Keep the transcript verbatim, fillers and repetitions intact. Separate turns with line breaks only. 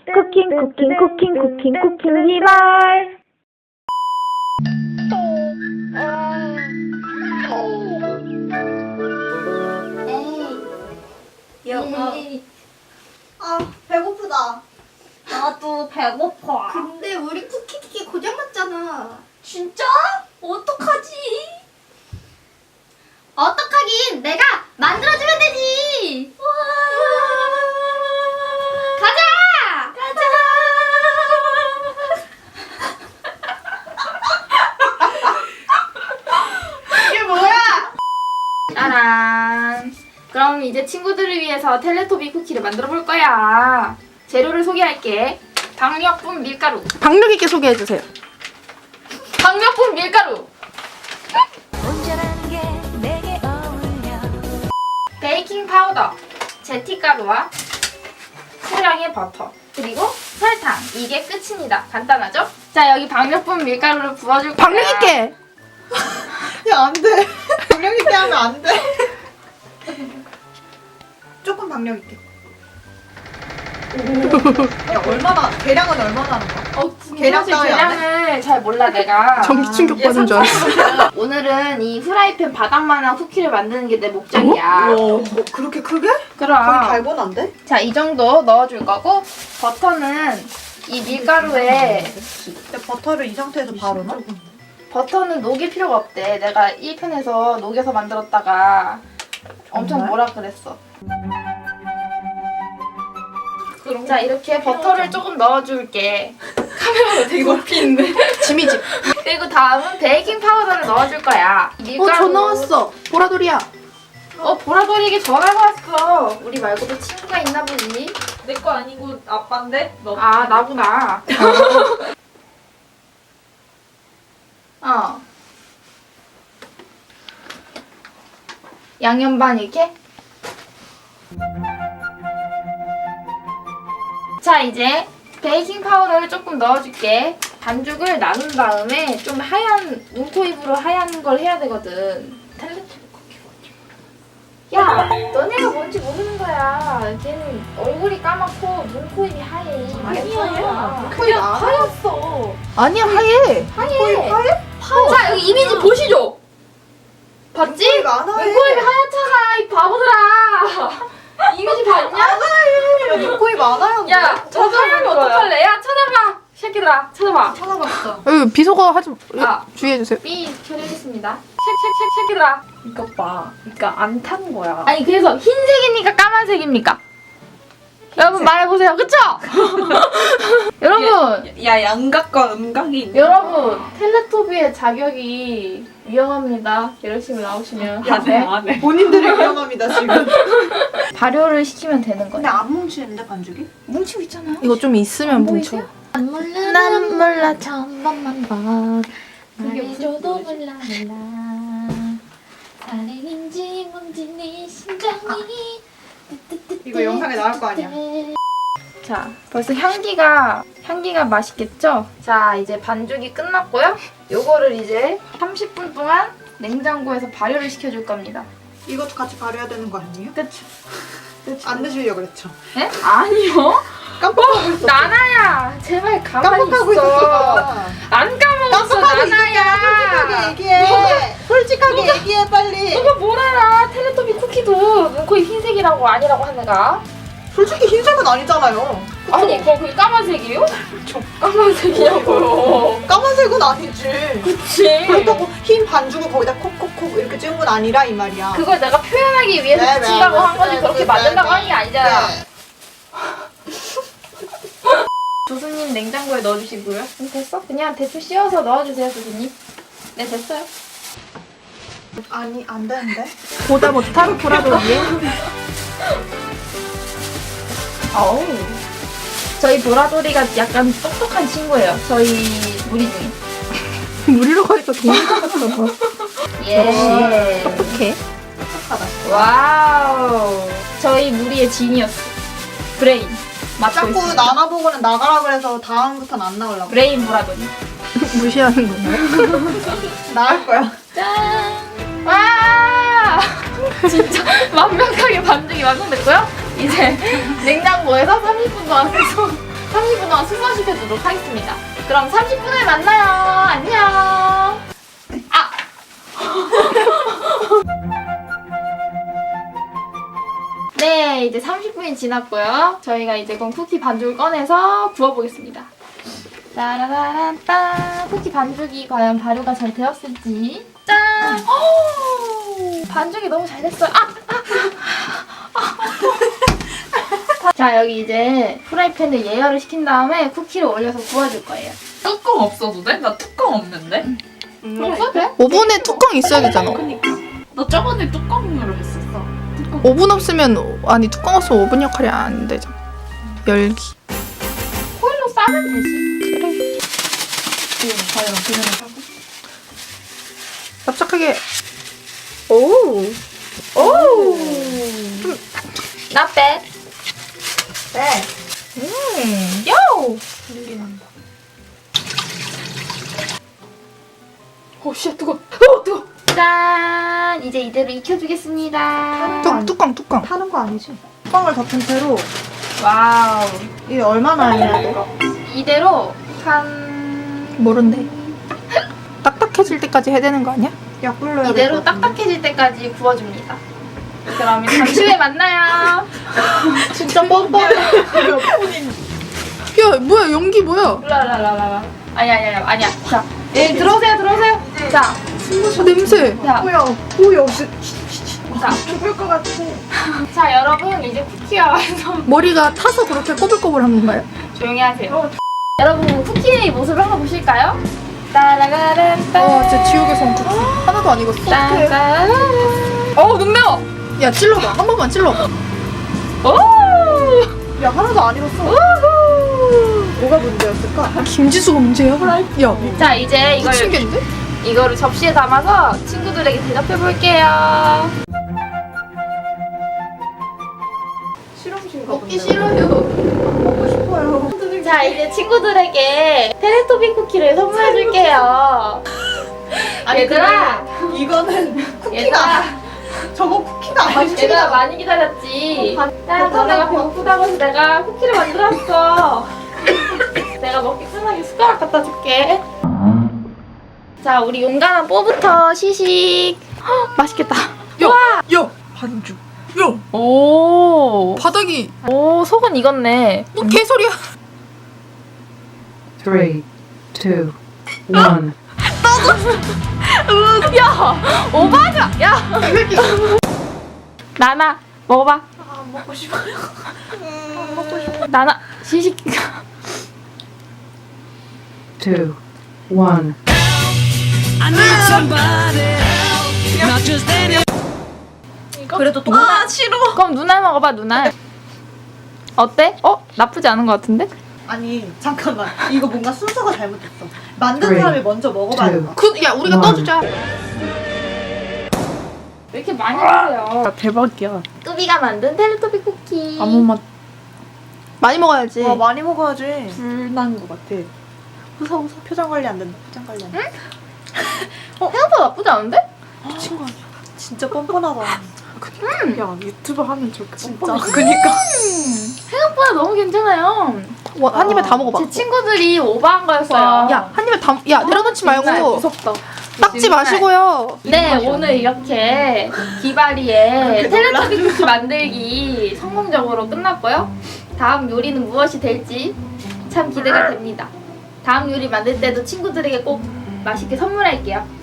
쿠킹 쿠킹 쿠킹 쿠킹 쿠킹 리말.
여보.
아, 배고프다.
나도 배고파.
근데 우리 쿠키기계 고장났잖아.
진짜? 어떡하지?
어떡하긴, 내가 만들어주면 되지. 가자!
가자.
이게 뭐야?
짜란. 그럼 이제 친구들을 위해서 텔레토비 쿠키를 만들어 볼 거야. 재료를 소개할게. 박력분 밀가루.
박력 있게 소개해 주세요.
박력분 밀가루. 베이킹 파우더. 제티가루와 소량의 버터. 그리고 설탕. 이게 끝입니다. 간단하죠? 자, 여기 박력분 밀가루를 부어줄 거야.
박력 있게.
야, 안 돼. 박력 있게 하면 안 돼. 조금 박력 있게. 야, 얼마나, 계량은 얼마나 하는 거야?
어,
계량
사실
따위 안
계량을 잘 몰라 내가.
전기 충격 받은 줄 알았어.
오늘은 이 후라이팬 바닥만한 쿠키를 만드는 게 내 목적이야.
뭐, 그렇게 크게? 거의
그럼.
달고난데?
자, 이 정도 넣어줄 거고 버터는 이 밀가루에
근데 버터를 이 상태에서 바로 넣어?
버터는 녹일 필요가 없대. 내가 일 편에서 녹여서 만들었다가 엄청
정말?
뭐라 그랬어. 자, 이렇게 버터를 조금 넣어줄게. 카메라가 되게 높이 있네.
지미집.
그리고 다음은 베이킹 파우더를 넣어줄 거야. 밀가루.
어, 전화 왔어. 보라돌이야.
어, 보라돌이에게 전화가 왔어. 우리 말고도 친구가 있나 보지.
내 거 아니고 아빠인데? 너
아, 나구나. 어. 양념 반 이렇게? 자, 이제 베이킹 파우더를 조금 넣어줄게. 반죽을 나눈 다음에 좀 하얀 눈코입으로 하얀 걸 해야 되거든. 야, 너네가 뭔지 모르는 거야. 걔는 얼굴이 까맣고 눈코입이 하얘.
아니야.
그냥 하였어.
아니야, 하얘.
하얘. 자, 여기 이미지 보시죠. 봤지?
눈코입 안 하얘.
눈코입이 하얗잖아, 이 바보들아. 이미지 봤냐?
야, 눈코입 안 하였는데?
야, 저거 하면 어떡할래? 야, 찾아봐. 새끼들아, 찾아봐.
찾아봤어.
여기 비속어 하지
아.
주의해 주세요.
삐 처리하겠습니다. 색, 색, 색, 새끼들아.
이것 봐. 그러니까 안 탄 거야.
아니, 그래서 흰색입니까? 까만색입니까? 여러분 말해보세요. 그쵸? 여러분.
야, 양각과 음각이 있네.
여러분, 텔레토비의 자격이 위험합니다. 열심히 나오시면.
안 해, 안 해.
본인들이 위험합니다, 지금.
발효를 시키면 되는
근데
거예요.
안 뭉치는데, 반죽이?
뭉치고 있잖아요.
이거 좀 있으면 뭉쳐.
안 몰라, 난 몰라, 천번만 번. 말해줘도 몰라, 몰라. 사랑인지 뭔지 네 심장이.
이거 영상에 나올 거 아니야?
자, 벌써 향기가 향기가 맛있겠죠? 자, 이제 반죽이 끝났고요. 요거를 이제 삼십 분 동안 냉장고에서 발효를 시켜줄 겁니다.
이것도 같이 발효해야 되는 거 아니에요?
그쵸? 그쵸?
안 드시려고 그랬죠?
에? 아니요.
깜빡하고 있었어.
나나야, 제발 가만히
깜빡하고
있어.
있었어.
안 까먹었어,
깜빡하고
나나야.
있었잖아. 솔직하게 얘기해. 솔직하게 얘기해, 빨리.
너가 뭘 알아? 텔레토비 쿠키도 눈코입 흰색이라고 아니라고 하는가?
솔직히 흰색은 아니잖아요.
아니, 그럼 그게 까만색이에요? 까만색이냐고요.
까만색은 아니지.
그치.
그렇다고 흰 반죽을 거기다 콕콕콕 이렇게 찍은 건 아니라 이 말이야.
그걸 내가 표현하기 위해서
네,
붙인다고
네,
한 거지
네,
그렇게
네,
만든다고
네,
하는 게 아니잖아.
네.
조수님 냉장고에 넣어주시고요. 음, 됐어? 그냥 대충 씌워서 넣어주세요, 조수님. 네, 됐어요.
아니, 안 되는데?
보다 못한 보라돌이에.
어우. 저희 보라돌이가 약간 똑똑한 친구예요. 저희 무리 중에.
무리로 가니까 동물 같았어.
예.
똑똑해.
와우. 저희 무리의 지니어스. 브레인. 맞고
자꾸
있습니다.
나나보고는 나가라 그래서 다음부터는 안 나오려고.
브레인 보라돌이.
무시하는 건가요?
나갈 거야.
짠! 와! 진짜 완벽하게 반죽이 완성됐고요. 이제 냉장고에서 삼십 분 동안 계속 삼십 분 동안 숙성시켜주도록 하겠습니다. 그럼 삼십 분에 만나요. 안녕. 아! 네, 이제 삼십 분이 지났고요. 저희가 이제 그럼 쿠키 반죽을 꺼내서 구워보겠습니다. 따라라란따. 쿠키 반죽이 과연 발효가 잘 되었을지. 짠! 오! 반죽이 너무 잘 됐어요. 아! 아! 아! 자, 여기 이제 프라이팬을 예열을 시킨 다음에 쿠키를 올려서 구워줄 거예요.
뚜껑 없어도 돼? 나 뚜껑 없는데?
먹어도 돼?
오븐에 뚜껑 있어야 되잖아.
그니까. 너 저번에 뚜껑으로 했었어. 뚜껑.
오븐 없으면 아니 뚜껑 없으면 오븐 역할이 안 되죠. 열기.
호일로 싸면 되지.
그래.
과연 그냥 하고.
납작하게.
오! 오! Not bad.
네.
음, 요! 오, 씨, 뜨거. 어, 뜨거. 짠! 이제 이대로 익혀주겠습니다.
뚜, 뚜껑 뚜껑.
타는 거 아니지? 뚜껑을 덮은 채로
와우.
이게 얼마나 해야 돼?
이대로 한
모른대. 딱딱해질 때까지 해야 되는 거 아니야?
약 불러야
이대로 딱딱해질 때까지 구워줍니다. 그러면 잠시 후에 만나요.
진짜 뻔뻔해.
야 뭐야 연기 뭐야?
라라라라라. 아니 아니 아니 아니야. 자, 예, 들어오세요 들어오세요. 자,
아, 냄새.
자,
뭐야? 뭐야? 없이
자,
죽을 것 같아.
자 여러분 이제 쿠키가 완성.
머리가 타서 그렇게 꼬불꼬불한 건가요?
조용히 하세요. 여러분 쿠키의 모습을 한번 보실까요? 따라가란따.
와 진짜 지옥의 성쿠키. 하나도 안 익었어.
따라라라. 어, 눈 매워.
야 찔러봐. 한 번만 찔러봐.
오!
야 하나도 안 익었어. 뭐가 문제였을까?
김지수가 문제야? 야
자, 이제 이걸
미친겠는데?
이거를 접시에 담아서 친구들에게 대접해 볼게요.
실험실가
먹기 싫어요.
먹고 싶어요.
자, 이제 친구들에게 테레토비 쿠키를 선물해 줄게요. 얘들아,
이거는 쿠키가
얘들아,
저거 쿠키가 아니야.
얘들아 많이 기다렸지. 야, 너네가 배고프다고 해서 내가 쿠키를 만들었어. 내가 먹기 편하게 숟가락 갖다 줄게. 자, 우리 용감한 뽀부터 시식. 헉, 맛있겠다.
야 반죽. 야
오,
바닥이
오, 속은 익었네.
뭐 개소리야.
Three, two, one.
야, 오바하자. 야, 나나 먹어봐.
안 먹고 싶어요. 안 먹고 싶어.
나나 시식.
Two, one.
그래도 동
아, 싫어. 그럼 누나 먹어봐, 누나. 어때? 어? 나쁘지 않은 것 같은데?
아니 잠깐만 이거 뭔가 순서가 잘못됐어. 만든
Three,
사람이 먼저 먹어봐야
two.
된다.
그, 야 우리가
와.
떠주자.
왜 이렇게 많이 드세요?
대박이야.
뚜비가 만든 텔레토비 쿠키.
아무 맛
많이 먹어야지.
와 많이 먹어야지.
불난 것 같아.
웃어 웃어. 표정 관리 안 된다. 표정 관리 안 된다.
생각보다 나쁘지 않은데?
미친 거 아니야? 진짜 뻔뻔하다.
야 유튜브 하면 저렇게
진짜.
뻔뻔해.
그니까.
생각보다 너무 괜찮아요.
와, 한 입에 다 먹어봐.
제 친구들이 오버한 거였어요.
야 한 입에 다. 야 내려놓지 말고
무섭다.
닦지 마시고요.
네, 오늘 이렇게 기바리의 텔레토비 쿠키 만들기 성공적으로 끝났고요. 다음 요리는 무엇이 될지 참 기대가 됩니다. 다음 요리 만들 때도 친구들에게 꼭 맛있게 선물할게요.